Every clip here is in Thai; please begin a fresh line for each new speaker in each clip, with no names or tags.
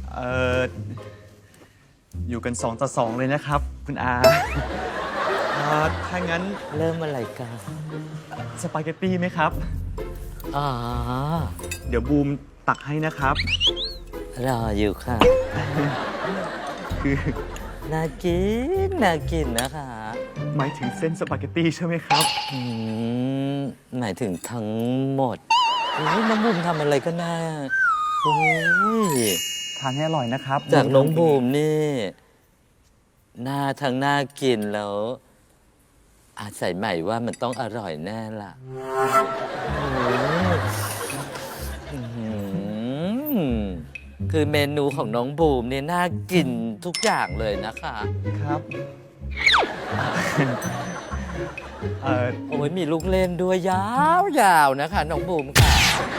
เอ่ออยู่กัน2 ต่อ 2เลยนะครับ คุณอาถ้างั้น
เริ่มอะไรกัน
สปาเกตตี้ไหมครับ
อ๋อ
เดี๋ยวบูมตักให้นะครับ
รออยู่ค่ะ
คือ
น่ากิน น่ากินนะคะ
หมายถึงเส้นสปาเกตตี้ใช่ไหมครับ
หมายถึงทั้งหมดโอ้ยน้องบูมทำอะไรก็น่าโอ้ย
ทานให้อร่อยนะครับ
จากน้องบูมนี่น่าทั้งน่ากินแล้ว อาศัยใหม่ว่ามันต้องอร่อยแน่ล่ะโอ้ยอื้อหือคือเมนูของน้องบูมเนี่ยน่ากินทุกอย่างเลยนะคะ
ครับ
โอ้ยมีลูกเล่นด้วยยาวๆนะคะน้องบูมค่ะ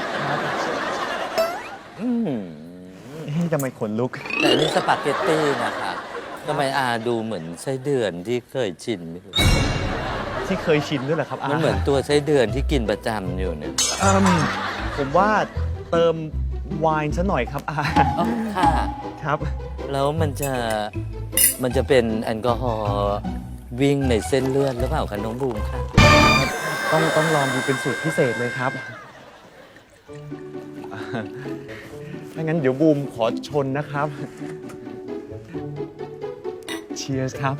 อืม
ทำไมขนลุก
แต่นี่สปาเกตตี้นะคะทำไมอาดูเหมือนไส้เดือนที่เคยชินไม่รู้
ที่เคยชินด้วยเหรอครับอา
มันเหมือนตัวไส้เดือนที่กินประจำอยู่เนี่ย
ผมว่าเติมไวน์ซะหน่อยครับอา
อ๋อค่ะ
ครับ
แล้วมันจะเป็นแอลกอฮอล์วิ่งในเส้นเลือดหรือเปล่าคะน้องบูมค่ะ
ต้องลองดูเป็นสูตรพิเศษเลยครับถ้างั้นเดี๋ยวบูมขอชนนะครับ Cheers ครับ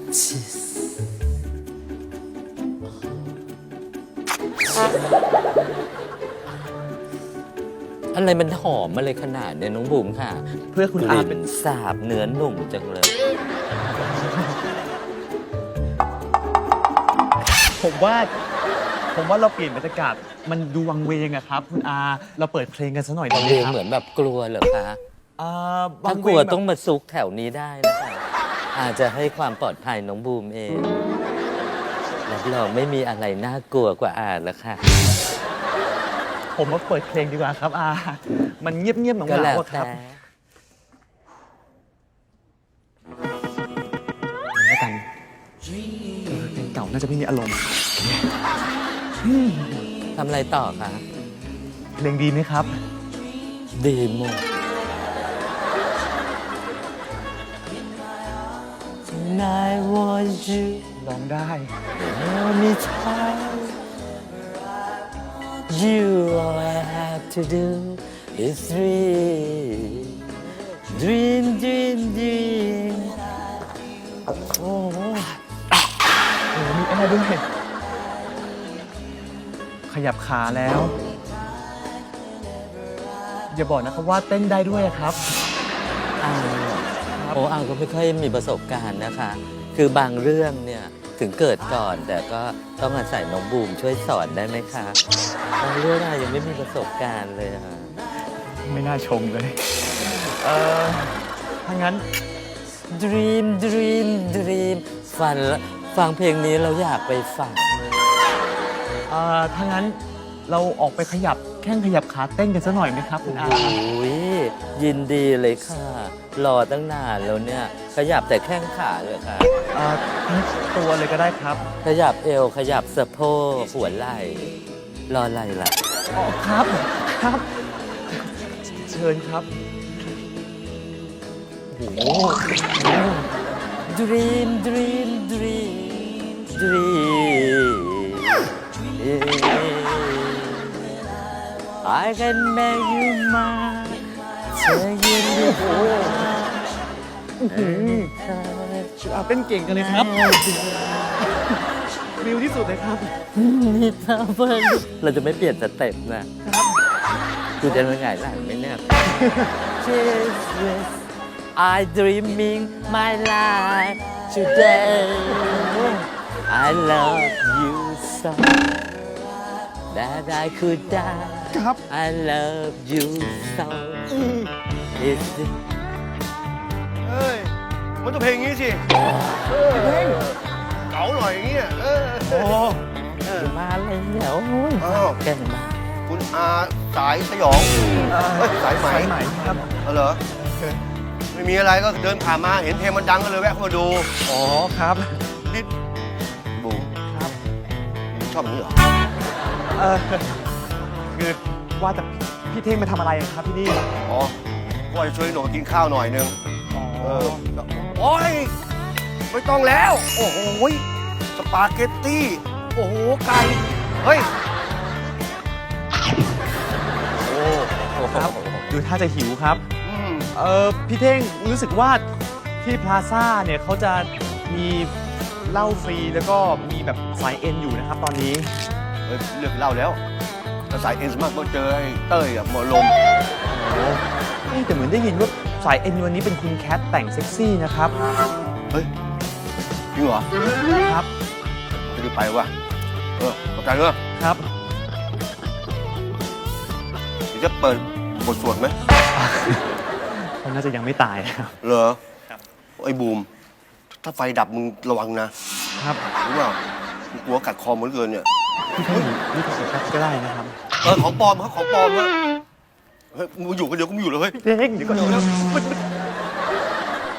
อะไรมันหอมอะไรขนาดเนี่ยน้องบูมค่ะ
เพื่อคุณ
ก
อา
ลิ่
เป็น
นสาบเนื้อหนุ่มจังเลย
ผมว่าเราเปลี่ยนบรรยากาศมันดูวังเวงอะครับ คุณอาเราเปิดเพลงกันซะหน่อยดีไหม
เพลง
ครับ
เหมือนแบบกลัวเหรอคะ
วั
ถ้าง ก
เว
ลัว
งแบบ
ต้องมาซุกแถวนี้ได้นะคะอาจจะให้ความปลอดภัยน้องบูมเองรับรองไม่มีอะไรน่ากลัวกว่าอาแล้วค่ะ
ผมว่าเปิดเพลงดีกว่าครับอามันเงียบๆเหงา
ก็แล้ว
ๆอะค
แต่
รับแล้วกันเพลงเก่าน่าจะไม่มีอารมณ์
ทำอะไรต่อคะ
เพลงดีไหมครับ
ดีหมด I want you
ร้องได้
anytime you all I have to do is dream dream
โอ้โหมีแอร์ด้วย ขยับขาแล้ว อย่าบอกนะครับว่าเต้นได้ด้วยอะครับ
อ้าวโอ้อ้าวก็ไม่ค่อยมีประสบการณ์นะคะ คือบางเรื่องเนี่ยถึงเกิดก่อนแต่ก็ต้องอาศัยน้องบูมช่วยสอนได้ไหมคะบางเรื่องอะยังไม่มีประสบการณ์เลยค่ะ
ไม่น่าชมเลย ถ้างั้น
Dream Dream Dream ฟังเพลงนี้เราอยากไปฝัน
ถ้างั้นเราออกไปขยับแข้งขยับขาเต้นกันสักหน่อยไหมครับคุณอา
โอ้ยยินดีเลยค่ะ รอตั้งนานแล้วเนี่ย ขยับแต่แข้งขาเลยค่ะ
ทั้งตัวเลยก็ได้ครับ
ขยับเอว ขยับสะโพกหัวไหล่ รออะไรล่ะ
อ๋อครับครับ เชิญครับ โอ้โห
Dream Dream Dream Dream I can make you mine เธอยืนอยู่
เต้นเก่งกันเลยครับวิวที่สุดเลยครับ
นี่เธอเพิ่งเราจะไม่เปลี่ยนสเต็ปนะกูจะเป็นไงหลังไหมเนี่ย Jesus I dreaming my life today I love you so that I could die
ครับ
I love you so It's
เอ้ย มันต้องเพลงนี้สิเก๋าหน่อยอย่างเงี้ย
โอ้
มาเลยเดี๋ยว
อ้าว
แก่งมา
คุณอาสายสยองเอ้ยสายไหม
สายไหมครับ
เหรอ ไม่มีอะไรก็เดินผ่านมาเห็นเพลงมันดังก็เลยแวะเข้ามาดู
อ๋อครับ
นี่บูม
ครับ
ชอบอย่างนี้เหรอ
คือว่าแต่พี่เท่งมาทำอะไรครับที่นี่
อ๋อก็จะช่วยหนูกินข้าวหน่อยนึง
อ๋อ
โอ้ยไม่ต้องแล้ว โอ้โหสปาเกตตี้ โอ้โห ไก่ เฮ้ย
โอ้โห
ครับ ดูท่าจะหิวครับ
อืม
พี่เท่งรู้สึกว่าที่พลาซ่าเนี่ยเขาจะมีเหล้าฟรีแล้วก็มีแบบสายเอ็นอยู่นะครับตอนนี้
เฮ้ยเลือกเหล่าแล้วแต่สายเอ็นสมากก็เจอไอ้เต้ยอะหมอลม
โอ้แต่เหมือนได้ยินว่าสายเอ็นวันนี้เป็นคุณแคทแต่งเซ็กซี่นะครับ
เฮ้ย จริงเหรอ
ครับ
จะได้ไปวะขอบใจเนอะ
ครับ
เดี๋ยวจะเปิดบทสวดไหม
เขาน่าจะยังไม่ตายนะครับ
เหรอ
ครับ
ไอ้บูม ถ้าไฟดับมึงระวังนะครับ รู้เปล่ามึงกลัวกัดคอมึงเหลือเกินเนี่ย
พี่เท่งนี่ขอแคทก็ได้นะครับ
ของปลอมครับของปลอมครับเฮ้ยมึงอยู่กันเดี๋ยวกูไม่อยู่เลยเฮ้ย
พี่เท่งเดี๋ยวก่อน